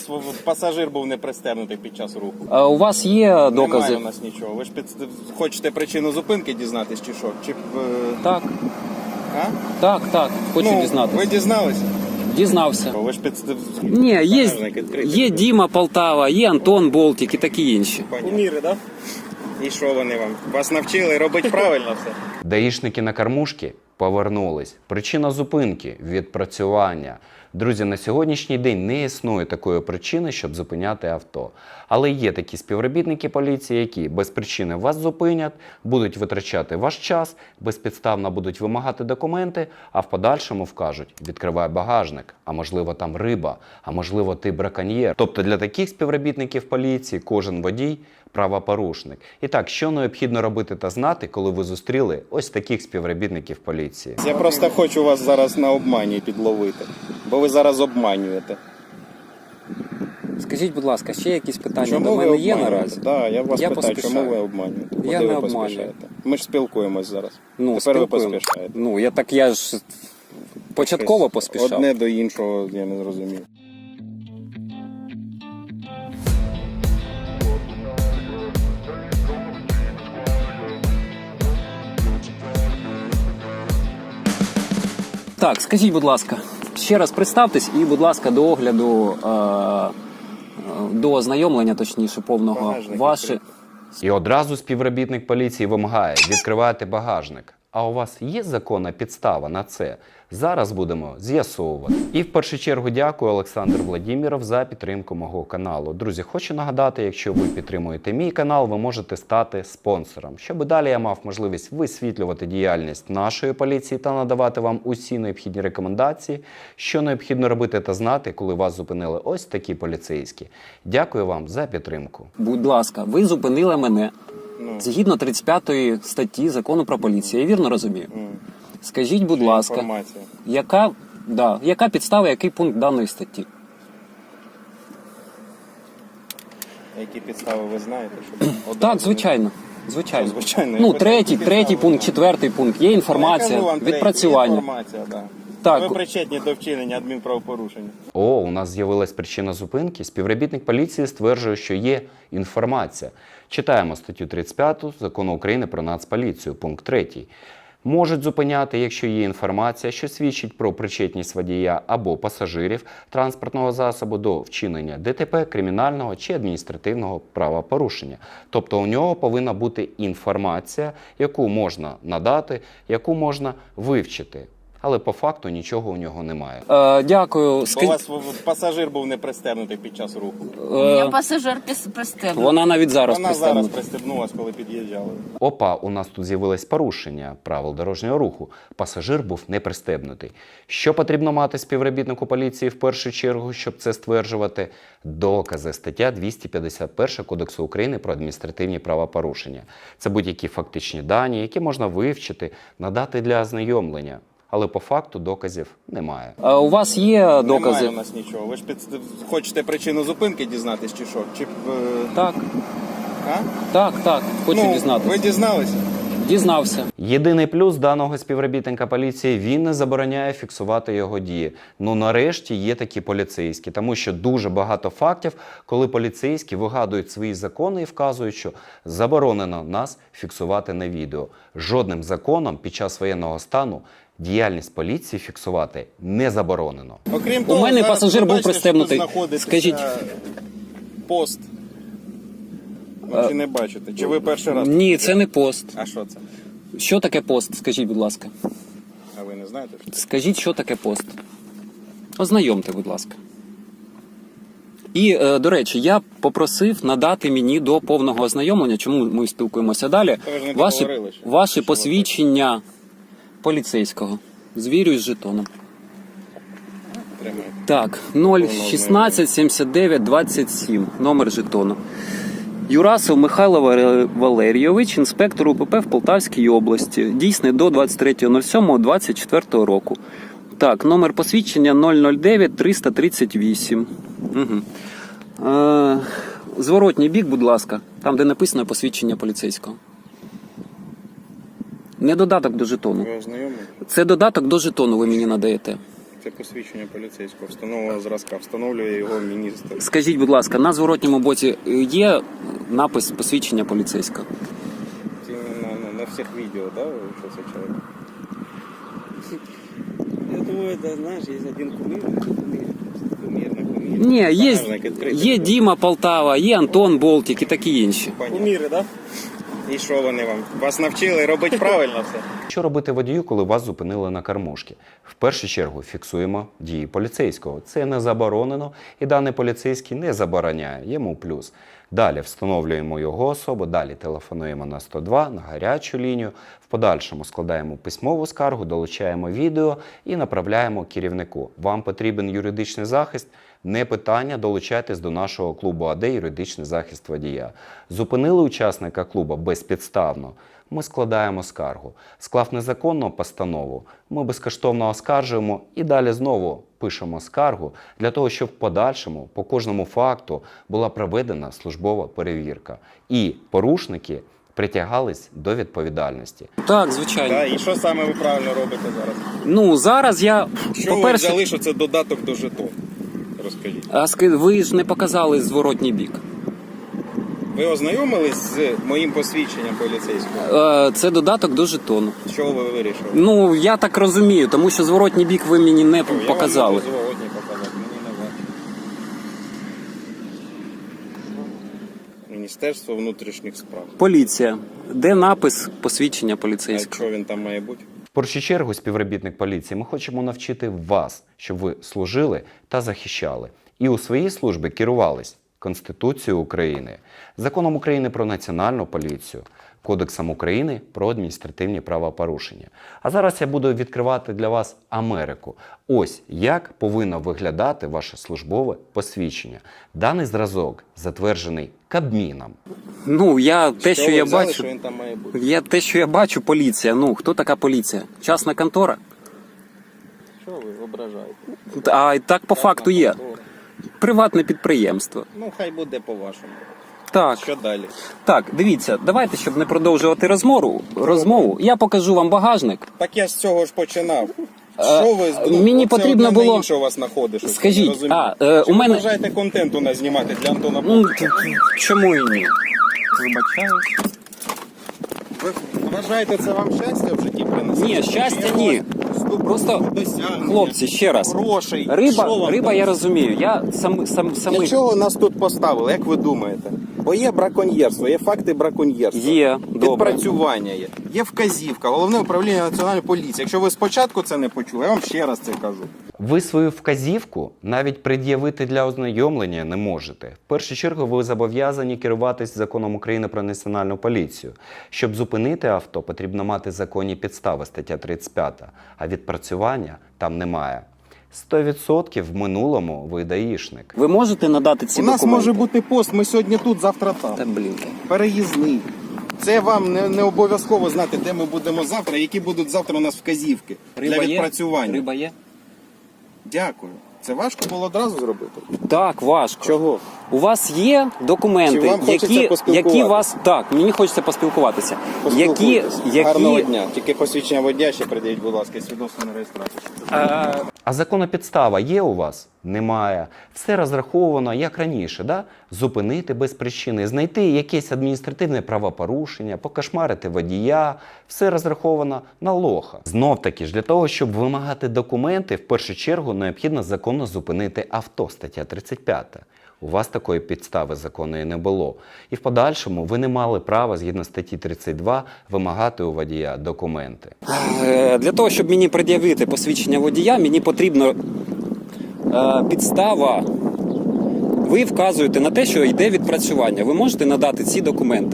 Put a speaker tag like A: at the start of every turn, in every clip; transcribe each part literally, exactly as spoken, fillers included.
A: пасажир був не пристебнутий під час руху.
B: А у вас є докази?
A: Немає у нас нічого. Ви ж під... хочете причину зупинки дізнатись чи що? Чи...
B: Так.
A: А?
B: Так, так, хочу
A: ну,
B: дізнатися.
A: Ви дізналися?
B: Дізнався.
A: Ви ж під...
B: Ні, є, є Діма Полтава, є Антон Болтик і такі інші.
A: Куміри, так? Да? І що вони вам? Вас навчили робити правильно все?
C: Даїшники на кормушки повернулись. Причина зупинки – відпрацювання. Друзі, на сьогоднішній день не існує такої причини, щоб зупиняти авто. Але є такі співробітники поліції, які без причини вас зупинять, будуть витрачати ваш час, безпідставно будуть вимагати документи, а в подальшому вкажуть – відкривай багажник, а можливо там риба, а можливо ти браконьєр. Тобто для таких співробітників поліції кожен водій – правопорушник. І так, що необхідно робити та знати, коли ви зустріли ось таких співробітників поліції?
A: Я просто хочу вас зараз на обмані підловити, бо ви зараз обманюєте.
B: Скажіть, будь ласка, ще якісь питання
A: Чому
B: до
A: ви
B: мене є
A: обманюєте?
B: наразі?
A: Да, я вас
B: Я
A: питаю,
B: поспішаю.
A: чому ви обманюєте? Куди
B: Я
A: ви
B: не обманюю.
A: поспішаєте? Ми ж спілкуємось зараз.
B: Ну,
A: Тепер ви
B: спілкуємо.
A: поспішаєте.
B: Ну, я так я ж початково
A: Щось
B: поспішав.
A: Одне до іншого я не зрозумів.
B: Так, скажіть, будь ласка, ще раз представтесь і, будь ласка, до огляду, е, е, до ознайомлення, точніше, повного,
A: Багажник
B: ваше...
A: відкритий.
C: І одразу співробітник поліції вимагає відкривати багажник. А у вас є законна підстава на це? Зараз будемо з'ясовувати. І в першу чергу дякую Олександр Владимиров за підтримку мого каналу. Друзі, хочу нагадати, якщо ви підтримуєте мій канал, ви можете стати спонсором, щоб далі я мав можливість висвітлювати діяльність нашої поліції та надавати вам усі необхідні рекомендації, що необхідно робити та знати, коли вас зупинили ось такі поліцейські. Дякую вам за підтримку.
B: Будь ласка, ви зупинили мене
A: Ну.
B: згідно тридцять п'ятої статті Закону про поліцію. Я вірно розумію?
A: М.
B: Скажіть, будь
A: Це
B: ласка,
A: інформація.
B: яка, да, яка підстава, який пункт даної статті?
A: Які підстави ви знаєте? Щоб одразу-
B: Так, звичайно. Звичайно.
A: Що, звичайно?
B: Ну,
A: Я
B: третій,
A: питаю,
B: третій
A: які
B: пункт,
A: підстави
B: четвертий пункт. Є
A: Я
B: інформація,
A: кажу вам, третій,
B: відпрацювання.
A: Інформація, да.
B: Так.
A: Ви причетні до вчинення адмінправопорушення.
C: О, у нас з'явилась причина зупинки. Співробітник поліції стверджує, що є інформація. Читаємо статтю тридцять п'яту Закону України про Нацполіцію, пункт третій. Можуть зупиняти, якщо є інформація, що свідчить про причетність водія або пасажирів транспортного засобу до вчинення ДТП, кримінального чи адміністративного правопорушення. Тобто у нього повинна бути інформація, яку можна надати, яку можна вивчити. Але по факту нічого у нього немає.
B: Е, дякую.
A: Бо у
B: Скажіть,
A: вас пасажир був не пристебнутий під час руху.
B: е,
D: У меня пассажир пис- пристегнут.
B: вона навіть зараз
A: Вона зараз
B: пристебнута.
A: пристебнулась, коли під'їжджали.
C: Опа, у нас тут з'явилось порушення правил дорожнього руху. Пасажир був не пристебнутий. Що потрібно мати співробітнику поліції в першу чергу, щоб це стверджувати? Докази. Стаття двісті п'ятдесят перша Кодексу України про адміністративні правопорушення. Це будь-які фактичні дані, які можна вивчити, надати для ознайомлення. Але по факту доказів немає.
B: Е, у вас є докази?
A: Немає у нас нічого. Ви ж під... хочете причину зупинки дізнатись чи що? Чи... е,
B: Так,
A: А?
B: так, так. Хочу
A: ну,
B: дізнатися.
A: Ви дізналися?
B: Дізнався.
C: Єдиний плюс даного співробітника поліції – він не забороняє фіксувати його дії. Ну нарешті є такі поліцейські, тому що дуже багато фактів, коли поліцейські вигадують свої закони і вказують, що заборонено нас фіксувати на відео. Жодним законом під час воєнного стану діяльність поліції фіксувати не заборонено.
A: Окрім
B: У
A: того,
B: мене
A: зараз
B: пасажир
A: ви
B: був
A: бачите,
B: пристебнутий.
A: що тут знаходиться
B: Скажіть.
A: пост. Ви чи не бачите? Чи ви перший раз?
B: Ні, це не пост.
A: А що це?
B: Що таке пост? Скажіть, будь ласка.
A: А ви не знаєте? Що?
B: Скажіть, що таке пост. Ознайомте, будь ласка. І, е, до речі, я попросив надати мені до повного ознайомлення, чому ми спілкуємося далі,
A: Та ви ж не
B: ваші,
A: договорили ще.
B: ваші
A: Що ви
B: посвідчення поліцейського. Звірюсь з жетоном.
A: Тримайте.
B: Так, нуль шістнадцять сімдесят дев'ять двадцять сім, номер жетону. Юрасов Михайло Валерійович, інспектор УПП в Полтавській області. Дійсний до двадцять третього сьомого двадцять четвертого року. Так, номер посвідчення нуль нуль дев'ять триста тридцять вісім. Угу. Е, зворотній бік, будь ласка, там, де написано посвідчення поліцейського. Не додаток до жетону.
A: Ви ознайомлені?
B: Це додаток до жетону ви мені надаєте.
A: Це Це посвідчення поліцейського встановленого зразка. Встановлює його міністр.
B: Скажіть, будь ласка, на зворотньому боці є напис посвідчення поліцейського?
A: Це на, на, на всіх відео, да, що це чоловік?
E: Я думаю, да, знаешь, есть один кумир, кумир.
A: Кумір на кумір.
B: Ні, є,
A: Правильно, відкритий.
B: є Діма Полтава, є Антон Болтік і такі інші.
A: Понятно.
E: Кумиры, да?
A: І що вони вам? Вас навчили робити правильно все?
C: Що робити водію, коли вас зупинили на кормушці? В першу чергу фіксуємо дії поліцейського. Це не заборонено, і даний поліцейський не забороняє, йому плюс. Далі встановлюємо його особу, далі телефонуємо на сто два, на гарячу лінію, в подальшому складаємо письмову скаргу, долучаємо відео і направляємо керівнику. Вам потрібен юридичний захист? Не питання, долучайтесь до нашого клубу АД «Юридичний захист водія». Зупинили учасника клубу безпідставно? Ми складаємо скаргу. Склав незаконну постанову, ми безкоштовно оскаржуємо і далі знову пишемо скаргу для того, щоб в подальшому по кожному факту була проведена службова перевірка. І порушники притягались до відповідальності.
B: Так, звичайно.
A: Так, і що саме ви правильно робите зараз?
B: Ну, зараз я,
A: Що ви
B: по-перше,
A: взяли, що це додаток до жетону? Розкажіть.
B: а ски- ви ж не показали зворотній бік.
A: Ви ознайомились з моїм посвідченням поліцейського?
B: Е, Це додаток до жетону.
A: Що ви вирішили?
B: Ну, я так розумію, тому що зворотній бік ви мені не
A: Я
B: показали.
A: вам можу зворотні показати, мені не важко. Міністерство внутрішніх справ.
B: Поліція. Де напис посвідчення
A: А
B: поліцейського?
A: що він там має бути?
C: В першу чергу, співробітник поліції, ми хочемо навчити вас, щоб ви служили та захищали. І у своїй службі керувались Конституцією України, Законом України про Національну поліцію, Кодексом України про адміністративні правопорушення. А зараз я буду відкривати для вас Америку. Ось як повинно виглядати ваше службове посвідчення. Даний зразок затверджений Кабміном.
B: Ну, я те, що,
A: ви
B: я
A: взяли,
B: бачу.
A: що він там має бути?
B: Я те, що я бачу, поліція. Ну, хто така поліція? Частна контора?
A: Що ви ображаєте?
B: А і так по факту є. Приватне підприємство.
A: Ну, хай буде по-вашому.
B: Так.
A: Що далі?
B: Так, дивіться, давайте, щоб не продовжувати розмову, розмову, я покажу вам багажник.
A: Так я з цього ж починав.
B: Е,
A: Що ви здумали?
B: мені
A: Оце
B: потрібно
A: одне на
B: було-
A: інше у вас знаходиш. оце,
B: Скажіть,
A: не розумію.
B: а, е,
A: Чи
B: у
A: ви
B: мене-
A: бажаєте контент у нас знімати для Антона
B: Ну,
A: Бондаря?
B: чому і ні?
A: Вибачаю. Ви вважаєте, це вам щастя в житті принесе?
B: Ні, щастя ні. Просто, хлопці, ще раз.
A: Грошей. Що
B: Риба,
A: вам
B: риба,
A: там?
B: я розумію. Я сам, сам,
A: Для
B: самий...
A: чого нас тут поставили, як ви думаєте? Бо є браконьєрство, є факти браконьєрства.
B: Є, добре.
A: Відпрацювання є. Є вказівка, головне управління національної поліції. Якщо ви спочатку це не почули, я вам ще раз це кажу.
C: Ви свою вказівку навіть пред'явити для ознайомлення не можете. В першу чергу ви зобов'язані керуватись законом України про національну поліцію. Щоб зупинити авто, потрібно мати законні підстави, стаття тридцять п'ята, а відпрацювання там немає. сто відсотків в минулому ви даїшник.
B: Ви можете надати ці
A: У нас
B: документи?
A: може бути пост, ми сьогодні тут, завтра там.
B: Та, блін.
A: Переїзний. Це вам не, не обов'язково знати, де ми будемо завтра, які будуть завтра у нас вказівки
B: Риба
A: для
B: є?
A: відпрацювання.
B: Риба є?
A: Дякую. Це важко було одразу зробити?
B: Так, важко.
A: Чого?
B: У вас є документи,
A: Чи вам хочеться
B: які,
A: поспілкуватися?
B: які вас... Так, мені хочеться поспілкуватися. Які,
A: Поспілкуйтесь. Гарного
B: які...
A: дня. Тільки посвідчення водія ще придивіть, будь ласка, свідоцтво на реєстрацію.
B: Е,
C: А законна підстава є у вас? Немає. Все розраховано, як раніше, да? Зупинити без причини, знайти якесь адміністративне правопорушення, покошмарити водія. Все розраховано на лоха. Знов-таки ж, для того, щоб вимагати документи, в першу чергу необхідно законно зупинити авто, стаття тридцять п'ята. У вас такої підстави законної не було. І в подальшому ви не мали права, згідно статті тридцять два, вимагати у водія документи.
B: Е, Для того, щоб мені пред'явити посвідчення водія, мені потрібна е, підстава. Ви вказуєте на те, що йде відпрацювання. Ви можете надати ці документи?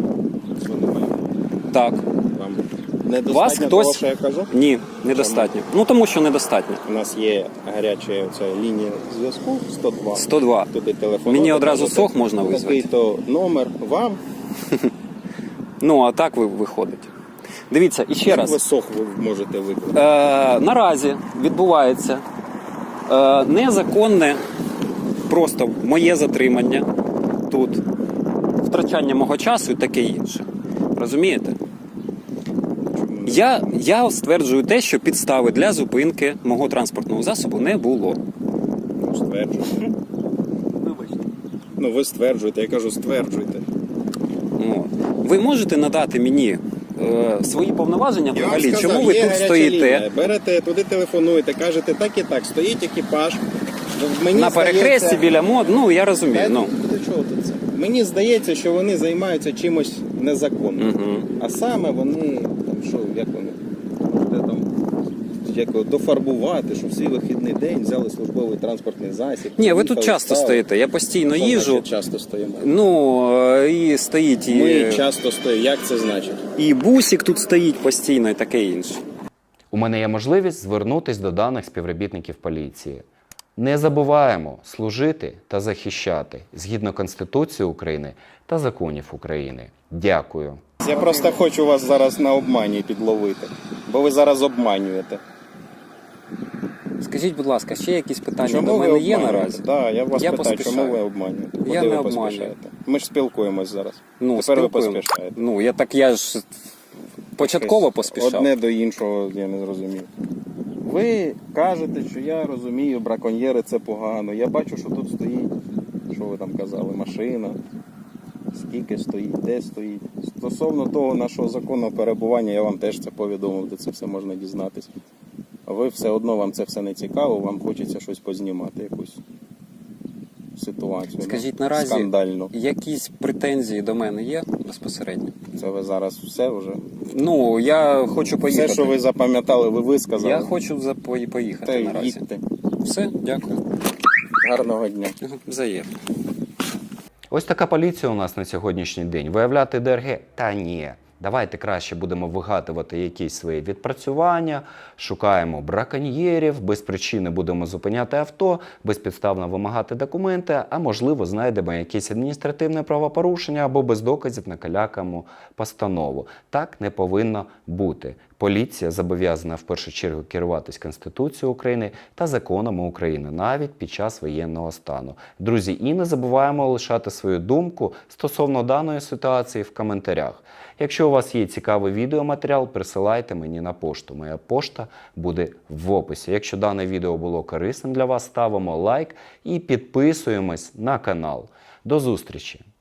B: Так.
A: Вам недостатньо
B: Вас
A: того,
B: хтось...
A: що я кажу?
B: Ні, недостатньо. Ну, тому що недостатньо.
A: У нас є гаряча оця лінія зв'язку сто два.
B: сто два.
A: Туди телефон.
B: Мені одразу сох можна визвати.
A: Такий-то номер вам.
B: Ну, а так ви виходить. Дивіться, і ще
A: Як
B: раз.
A: ви сох ви можете викликати?
B: Е, наразі відбувається е, незаконне, просто моє затримання тут, втрачання мого часу і таке інше. Розумієте? Я, я стверджую те, що підстави для зупинки мого транспортного засобу не було.
A: Ну, стверджуйте. Ну, ви стверджуєте, я кажу, стверджуйте.
B: Ну, ви можете надати мені е, свої повноваження
A: Я вам
B: взагалі?
A: сказав,
B: Чому ви
A: є
B: тут
A: гаряча
B: стоїте?
A: лінія. Берете, туди телефонуєте, кажете, так і так, стоїть екіпаж. Мені
B: На перехресті
A: здається-
B: біля мод, ну я розумію.
A: Та,
B: Ну.
A: до чого тут це? Мені здається, що вони займаються чимось незаконним.
B: Угу.
A: А саме вони, там, що, як вони, де там, як його, дофарбувати, що в свій вихідний день взяли службовий транспортний засіб.
B: Ні, ви тут
A: поїхали,
B: часто
A: стали.
B: стоїте, я постійно
A: Що
B: їжджу.
A: значить часто стоїмо?
B: Ну, е, і стоїть, і,
A: Ми часто стоїмо. Як це значить?
B: і бусик тут стоїть постійно, і таке інше.
C: У мене є можливість звернутися до даних співробітників поліції. Не забуваємо служити та захищати згідно Конституції України та законів України. Дякую.
A: Я просто хочу вас зараз на обмані підловити, бо ви зараз обманюєте.
B: Скажіть, будь ласка, ще якісь питання
A: Чому
B: до
A: ви
B: мене є
A: обманюєте?
B: наразі?
A: Да, я вас
B: Я
A: питаю,
B: поспішаю.
A: чому ви обманюєте? Куди
B: Я
A: ви
B: не обманюю.
A: поспішаєте? Ми ж спілкуємось зараз.
B: Ну,
A: Тепер ви
B: спілкуємо.
A: поспішаєте.
B: Ну, я так я ж початково
A: Щось
B: поспішав.
A: Одне до іншого я не зрозумів. Ви кажете, що я розумію, браконьєри це погано. Я бачу, що тут стоїть, що ви там казали, машина. Скільки стоїть, де стоїть. Стосовно того нашого законного перебування, я вам теж це повідомив, де це все можна дізнатися. А ви все одно, вам це все не цікаво, вам хочеться щось познімати, якусь ситуацію.
B: Скажіть,
A: ну,
B: наразі
A: скандальну.
B: якісь претензії до мене є безпосередньо?
A: Це ви зараз все вже.
B: Ну, я хочу поїхати.
A: Все, що ви запам'ятали, ви висказали.
B: Я хочу за- пої- поїхати
A: Та
B: наразі.
A: їдьте.
B: Все, дякую.
A: Гарного дня.
B: Ага, взаємно.
C: Ось така поліція у нас на сьогоднішній день. Виявляти ДРГ? Та ні. Давайте краще будемо вигадувати якісь свої відпрацювання, шукаємо браконьєрів, без причини будемо зупиняти авто, безпідставно вимагати документи, а можливо знайдемо якесь адміністративне правопорушення або без доказів накалякаємо постанову. Так не повинно бути. Поліція зобов'язана в першу чергу керуватись Конституцією України та законами України, навіть під час воєнного стану. Друзі, і не забуваємо лишати свою думку стосовно даної ситуації в коментарях. Якщо у вас є цікавий відеоматеріал, присилайте мені на пошту. Моя пошта буде в описі. Якщо дане відео було корисним для вас, ставимо лайк і підписуємось на канал. До зустрічі!